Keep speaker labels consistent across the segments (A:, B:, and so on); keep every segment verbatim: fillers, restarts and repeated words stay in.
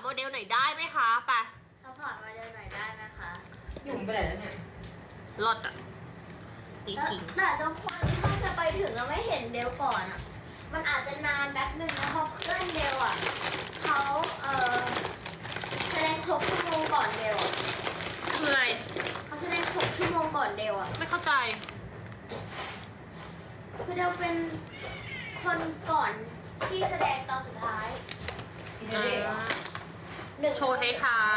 A: เดลหน่อยได้ไหมคะไป
B: ซัพพอร์ตโมเดลหน่อยได้ไหมคะ
C: หนุ่มไปไหนแล้วเนี่ย
A: รถอ่ะนี่
B: แต่
A: จริง
B: แต่ทุกคนถ้าจะไปถึงเราไม่เห็นเดลก่อนอ่ะ มันอาจจะนานแป๊บหนึ่งนะเพราะเพื่อนเดลอ่ะเขาเออแสดงหกชั่วโมงก่อนเดลอะ
A: คืออะไร
B: เขาแสดงหกชั่วโมงก่อนเดลอ่ะ
A: ไม่เข้าใจ
B: คือเดลเป็นคนก่อนที่แสดงตอนสุดท้าย
C: กินเด็กเหรอ
B: หนึ่ง
A: โชว์ท้าย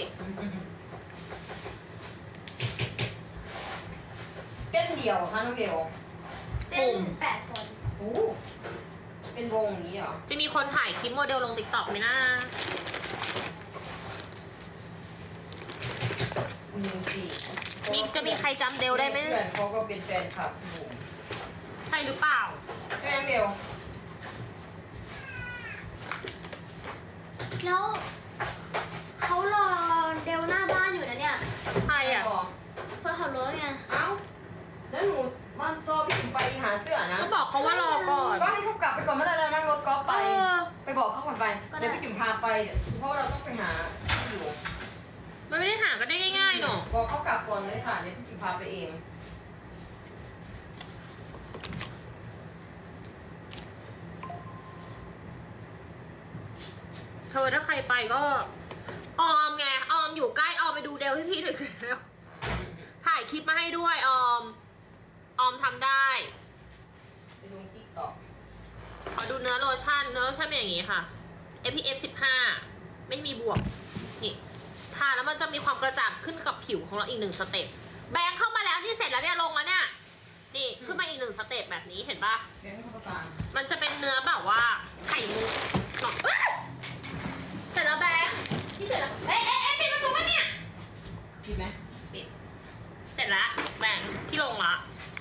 C: เต้นเดี่ยวค่ะน้องเบล
B: เต้นแปดคน
C: โอ้เป็นวงอย่างนี้เหรอ
A: ๆจะมีคนถ่ายคลิปโมเดลลงติ๊กต็อกไหมนะ
C: มีสิ
A: มีจะมีใครจำเดลได้ไหม
C: เพื่อนเขาก็เป็นแฟนคลับหนุ่ม
A: ใช่หรือเปล่า
C: ใช่ไหมเบล
B: แล้วเขารอเดลหน้าบ้านอยู่นะเนี่ย
A: ใครอ่ะ
C: บอก
B: เพื่อขับรถไง
C: เอ้าแล้วหนูมันตัวพี่ถึงไปหาเสื้อนะ
A: ก็บอกเขาว่ารอก่อน
C: ก็ให้เขากลับไปก่อนไม่ได้แล้วนั่งรถกอล์ฟไป
A: เออ
C: ไปบอกเขาก่อนไป เดี๋ยวพี่จุ๋มพาไป เพราะว่าเราต้องไปหาที่อยู่
A: มันไม่ได้หากันได้ง่ายๆหรอก
C: บอกเขากลับก่อนเลยค่ะ เดี๋ยวพี่จุ๋มพาไปเอง
A: เธอถ้าใครไปก็ ออมไง ออมอยู่ใกล้ออมไปดูเดลให้พี่หน่อยสิเร็วถ่ายคลิปมาให้ด้วยออม ออมทำได้
C: ไปลงติ๊กต็อก
A: ขอดูเนื้อโลชั่น เนื้อโลชั่นเป็นอย่างนี้ค่ะ เอฟ พี เอฟ สิบห้า ไม่มีบวก นี่ทาแล้วมันจะมีความกระจ่างขึ้นกับผิวของเราอีกหนึ่งสเต็ป แบงค์เข้ามาแล้วนี่เสร็จแล้วเนี่ยลงแล้วเนี่ย นี่ขึ้นมาอีกหนึ่งสเต็ปแบบนี้เห็นปะ
C: เดี๋ยวให้เขาประกาศ
A: มันจะเป็นเนื้อแบบว่าไข่มุกหน่อยเอ้ยเสร็จแล้วแบงค์ที่เสร็จแล้วเอ๊ะเอ๊ะเอ๊ะปิดประตูปะเนี่ย
C: ดีไหม
A: ปิด เสร็จแล้วแบงค์ที่ลงละ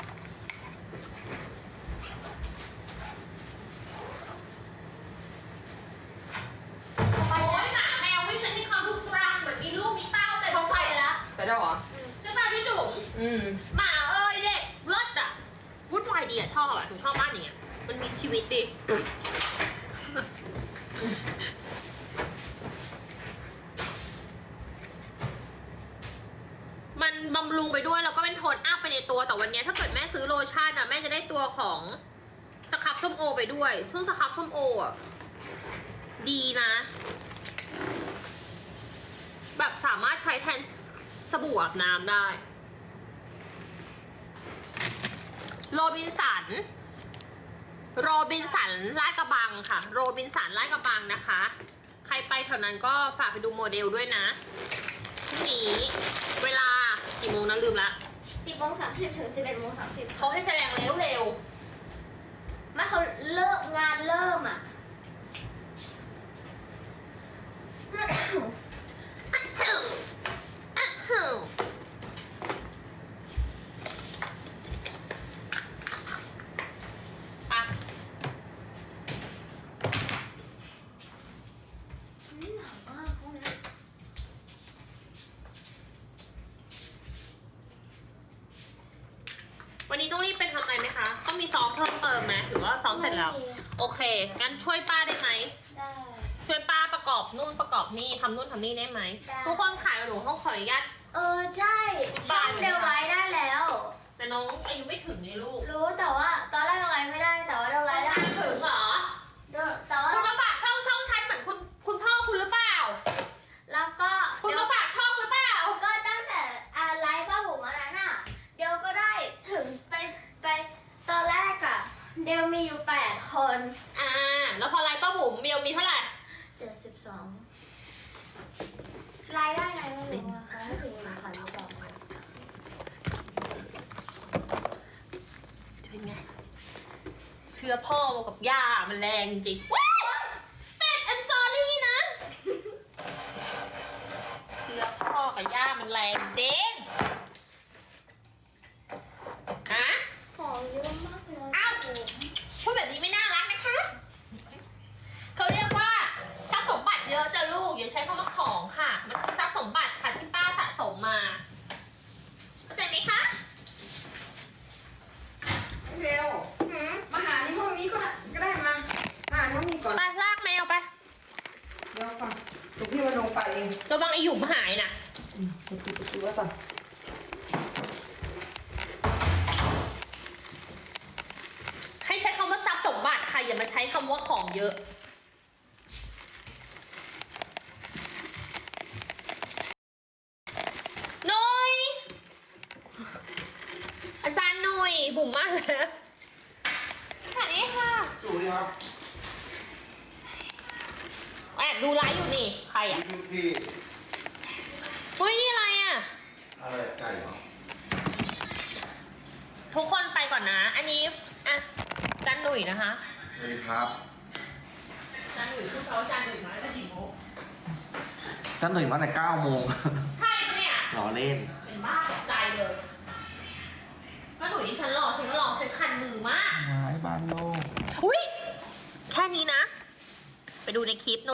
A: โอ้ยหมาแมววิ่งฉันมีความทุกข์รังเหมือนมีลูกมีเต้าแต่เขาไปแล้ว
C: แต่ได้เหรอ
A: ใช่ป่ะพี่จุ๋ม
C: อืม
A: หมาเอ้ยเด็กเลิศอ่ะวุ่นวายดีอ่ะชอบอ่ะหนูชอบมากอย่างเงี้ยมันมีชีวิตดิมันบำรุงไปด้วยแล้วก็เป็นโทนอัพไปในตัวแต่วันนี้ถ้าเกิดแม่ซื้อโลชั่นอ่ะแม่จะได้ตัวของสครับส้มโอไปด้วยซึ่งสครับส้มโออ่ะดีนะ แบบสามารถใช้แทนสบู่อาบน้ำได้โรบินสันโรบินสันลาดกระบังค่ะโรบินสันลาดกระบังนะคะ ใครไปแถวนั้นก็ฝากไปดูโมเดลด้วยนะพรุ่งนี้เวลากี่โมงนะลืมละ
B: สิบโมงสามสิบถึงสิบเอ็ดโมงสามสิบ
A: เขาให้แสดงเร็วเร็ว
B: ไม่เขาเลิกงานเริ่มอ่ะ
A: อะถึงอะถึงอ่ะ
B: นี่หนาวมากห้องนี้
A: วันนี้ต้องรีบไปทำอะไรไหมคะต้องมีซ้อมเพิ่มเติมไหมหรือว่าซ้อมเสร็จแล้วโอเคงั้นช่วยป้าได้ไหม
B: ได้
A: ช่วยป้าประกอบนู่นประกอบนี่ทำนู่นทำนี่ได้ไหม
B: ได้
A: ทุกคนขายหนูห้องขออนุญาต
B: เออใช่ช่องเดลไลท์ได้แล้ว
A: แต่น้องอายุไม่ถึงไงลูก
B: รู้แต่ว่าตอนแรกเดลไลท์ไม่ได้แต่ว่าเดลไลท์ได้
A: ไม่ถึงเหรอ
B: แต่ว่า
A: คุณมาฝากช่องช่องฉันเหมือนคุณคุณพ่อคุณหรือเปล่า
B: แล้วก็
A: คุณมาฝากช่องหรือเปล่า
B: ก็ตั้งแต่อ่าไลฟ์ป้าบุ๋มอันนั้นน่ะเดลก็ได้ถึงไปไปตอนแรกอะเดลมีอยู่แปดคน
A: อ่า แล้วพอไลน์ป้าบุ๋มเมียวมีเท่าไหร่
B: เจ็ดสิบสองรายได้ไงไม่รู้อะคะไม่ถึงหนึ่งพันหรือเปล่า
A: จะเป็นไง เชื้อพ่อกับย่ามันแรงจริงๆว้าวเป็ดแอนซอรี่นะ เชื้อพ่อกับย่ามันแรงจริงฮะ
B: ของเยอะมากเลย
A: อ้าว พูดแบบนี้ไม่น่ารักนะคะเขาเรียกว่าทรัพย์สมบัติเยอะจะลูกอย่าใช้คำว่าของค่ะ มันคือทรัพย์สมบัติค่ะที่ป้าสะสมมาเข้าใจไหมคะ
C: เร็ว
B: หืม
C: มาหาในห้องนี้ก็ได้ก็ได้มา มาหาในห้องนี้ก่อน
A: ไปลากแมวไป
C: เดี๋ยวก่อนลูกพี่มาลงไปเอง
A: ระวังไอหยุ่มหายนะ
C: อืมประตูประตูไว้ก่อน
A: ให้ใช้คำว่าทรัพย์สมบัติค่ะอย่ามาใช้คำว่าของเยอะหนุยอาจารย์หนุยบุ๋มมากเลยสวัสดีค่ะ
D: ดูดิครับ
A: แอบดูไลฟ์อยู่นี่ใครอ่ะ
D: พี่พี่
A: เฮ้ยนี่อะไรอ่ะ
D: อะไรไก่เหรอ
A: ทุกคนไปก่อนนะ อันนี้อ่ะอาจารย์หนุยนะคะ
D: สวัสดีครับ
A: อาจารย์หนุยคือเขาอาจารย์หนุยมาตั้งแต่กี่โมง
E: ท่านหนึ่งมาแต่เก้าโมง
A: ใช่ปะเนี่ย
E: รอเล่น
A: เป็นบ้าตกใจเลยก็หนุยที่ฉันรอฉันก็รอฉันคันมือมาก
E: ไม้บ้านโลก
A: อุ้ยแค่นี้นะ ไปดูในคลิป